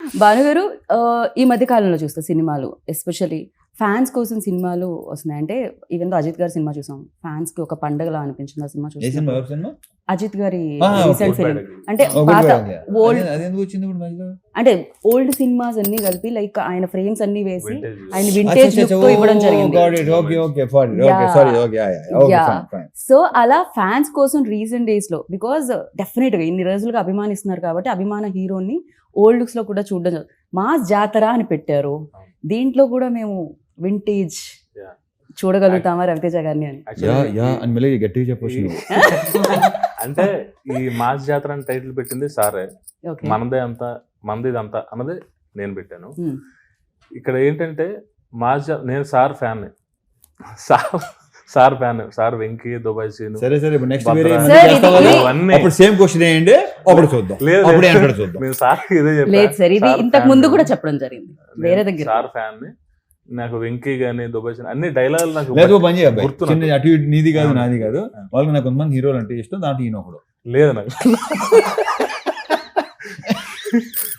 భాను గారు ఈ మధ్య కాలంలో చూస్తా సినిమాలు ఎస్పెషల్లీ ఫ్యాన్స్ కోసం సినిమాలు వస్తున్నాయి. అంటే ఈవెన్ అజిత్ గారి సినిమా చూసాం, ఫ్యాన్స్ కి ఒక పండగలా అనిపించింది ఆ సినిమా చూసాం. అజిత్ గారి రీసెంట్ ఫిల్మ్ అంటే పాత ఓల్డ్ అంటే ఓల్డ్ సినిమాస్ అన్ని కలిపి లైక్ ఆయన ఫ్రేమ్స్ అన్ని వేసి ఆయన వింటేజ్ లుక్ తో ఇవ్వడం జరిగింది. సో అలా ఫ్యాన్స్ కోసం రీసెంట్ డేస్ లో బికాజ్ డెఫినెట్ గా ఇన్ని రోజులుగా అభిమానిస్తున్నారు కాబట్టి అభిమాన హీరోని ఓల్డ్ లుక్స్ లో కూడా చూడడం. మాస్ జాతర అని పెట్టారు, దీంట్లో కూడా మేము వింటేజ్ చూడగలుగుతామా రవితేజ గారిని అని గట్టిగా చెప్పొచ్చు. అంటే ఈ మాస్ జాతర అని టైటిల్ పెట్టింది సారే, మనది ఇదంతా అన్నది నేను పెట్టాను. ఇక్కడ ఏంటంటే నేను sir fan, sir fan, sir Venky, Dubai scene. సరే నెక్స్ట్ సేమ్ క్వశ్చన్ ఏంటి అప్పుడు చూద్దాం. నేను సార్ ఇదే చెప్పాను, ఇంతకు ముందు కూడా చెప్పడం జరిగింది వేరే దగ్గర. సార్ ఫ్యాన్ ని, నాకు వెంకీ గానీ దుబాయ్ సీన్ అన్ని డైలాగులు నాకు అటు నీది కాదు నాది కాదు, వాళ్ళకి నాకు కొంతమంది హీరోలు అంటే ఇష్టం, దాంట్లో ఈయన ఒకడు లేదు నాకు.